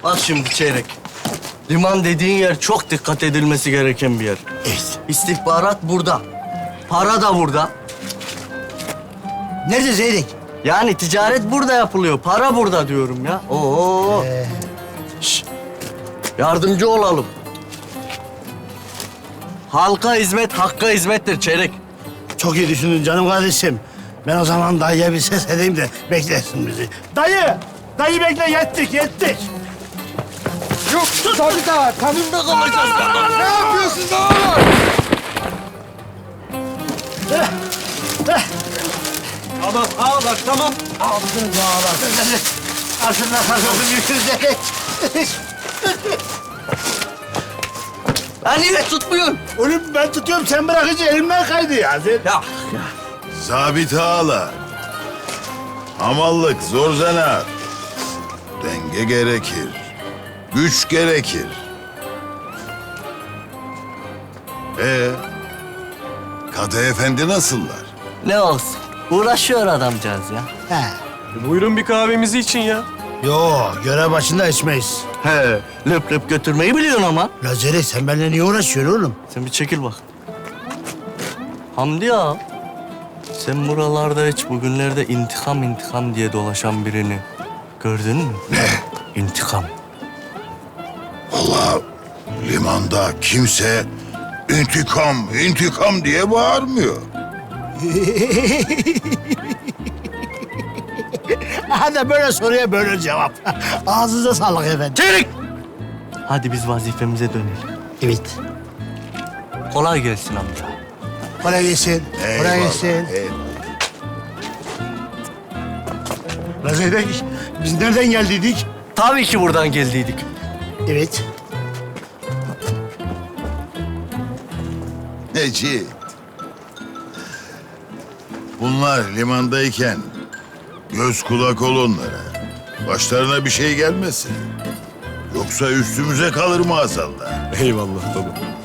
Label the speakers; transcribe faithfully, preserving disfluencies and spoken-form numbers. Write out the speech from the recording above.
Speaker 1: Bak şimdi Çeyrek. Liman dediğin yer çok dikkat edilmesi gereken bir yer.
Speaker 2: Evet.
Speaker 1: İstihbarat burada. Para da burada.
Speaker 2: Nerede Zeyrek?
Speaker 1: Yani ticaret burada yapılıyor. Para burada diyorum ya. Oo.
Speaker 2: Ee,
Speaker 1: Şş, yardımcı olalım. Halka hizmet, hakka hizmettir Çeyrek.
Speaker 2: çok iyi düşündün canım kardeşim. Ben o zaman dayıya bir ses edeyim de beklesin bizi. Dayı! Dayı bekle, yettik, yettik.
Speaker 3: Yok Sabit ağa. Tamam.
Speaker 1: Bunda kalacağız ya.
Speaker 3: Ne yapıyorsun oğlum?
Speaker 1: Tamam, ağlar, tamam.
Speaker 2: Aldın dağlar. Karşında karşısın yükselecek.
Speaker 1: Ya niye tutmuyorsun?
Speaker 2: Oğlum ben tutuyorum, sen bırakınca elimden kaydı ya. Sen...
Speaker 1: Ya, ya.
Speaker 4: Sabit ağalar. Hamallık zor zanaat. Denge gerekir. Güç gerekir. Ee, Kadı efendi nasıllar?
Speaker 1: Ne olsun? Uğraşıyor adamcağız ya.
Speaker 2: He.
Speaker 3: Buyurun bir kahvemizi için ya.
Speaker 2: Yo, görev başında içmeyiz.
Speaker 1: He, löp löp götürmeyi biliyorsun ama.
Speaker 2: La Zeyrek, sen benimle niye uğraşıyorsun oğlum?
Speaker 1: Sen bir çekil bak. Hamdi ya, sen buralarda hiç bugünlerde intikam intikam diye dolaşan birini gördün mü? İntikam.
Speaker 4: Vallahi limanda kimse intikam, intikam diye bağırmıyor.
Speaker 2: Hadi böyle soruya böyle cevap. Ağzınıza sağlık efendim.
Speaker 1: Çelik! Hadi biz vazifemize dönelim.
Speaker 2: Evet.
Speaker 1: Kolay gelsin amca.
Speaker 2: Kolay gelsin. Kolay
Speaker 4: Eyvallah,
Speaker 2: gelsin.
Speaker 4: eyvallah.
Speaker 2: La Zeyrek, biz nereden geldiydik?
Speaker 1: Tabii ki buradan geldiydik.
Speaker 2: Evet.
Speaker 4: Necip. Bunlar limandayken göz kulak ol onlara. Başlarına bir şey gelmesin. Yoksa üstümüze kalır maazallah.
Speaker 3: Eyvallah baba.